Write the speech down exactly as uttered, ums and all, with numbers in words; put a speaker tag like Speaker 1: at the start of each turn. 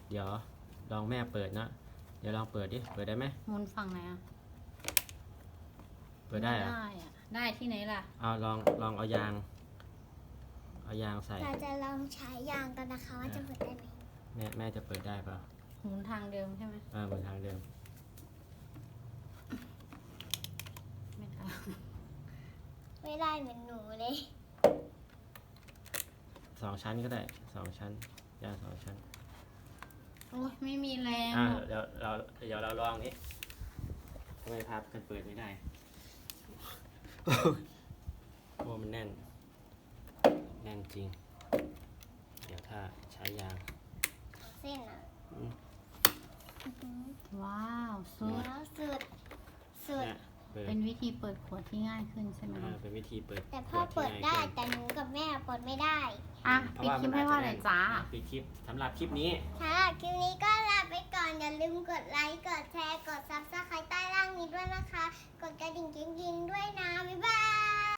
Speaker 1: เดี๋ยวลองแม่เปิดนะเดี๋ยวลองเปิดดิเปิดได้ไหม
Speaker 2: หมุนฝั่งไหนอ่ะ
Speaker 1: เปิดได้เหรอ
Speaker 2: ได้อะได้ที่ไหนล่ะ
Speaker 1: เอาลองลองเอายางเอายางใส่
Speaker 3: เราจะลองใช้ยางกันนะคะว่าจะเปิดได้ไหม
Speaker 1: แม่แม่จะเปิดได้เปล่า
Speaker 2: หมุนทางเดิมใช่ไหม
Speaker 1: เออเหมือนทางเดิม
Speaker 2: ไม่ได้
Speaker 3: ไม่ได้เหมือนหนูเลย
Speaker 1: สองชั้นก็ได้สองชั้นยางสองชั้น
Speaker 2: โอ้ยไม่มีแรง
Speaker 1: อ่า
Speaker 2: หรอก
Speaker 1: เดี๋ยวเราเดี๋ยวเราลองนี้ทำไมพับกันเปิดไม่ได้ โอ้มันแน่นแน่นจริง เดี๋ยวถ้าใช้ยาง
Speaker 3: เส้นอ่ะ
Speaker 1: อืม
Speaker 3: อื้อหือ
Speaker 2: ว้าวสุด
Speaker 3: แล้วสุดสุด
Speaker 1: เนี่ยเปิด
Speaker 2: เป็นวิธีเปิดขวดที่ง่ายขึ้นใช่ไหม
Speaker 1: อ่าเป็นวิธีเปิด
Speaker 3: แต่พ่อ
Speaker 1: ขว
Speaker 3: เปิด
Speaker 1: ที่
Speaker 3: ได้
Speaker 1: ง่ายขึ้น
Speaker 3: แต่หนูกับแม่เปิดไม่ได้
Speaker 2: อ่ะ
Speaker 1: เพราะ
Speaker 2: ปิด
Speaker 1: ว่า
Speaker 2: คลิป
Speaker 1: มัน
Speaker 2: ให้
Speaker 1: อาจ
Speaker 2: พ่อ
Speaker 1: จะ
Speaker 2: หน่อย
Speaker 1: แน่น
Speaker 2: จ้า
Speaker 1: อ่ะปิดคลิปสำหรับคลิปนี้
Speaker 3: สำหรับคลิปนี้ก็ลาไปก่อน อย่าลืมกดไลค์ กดแชร์ กดซับสไครต์ใต้ล่างนี้ด้วยนะคะ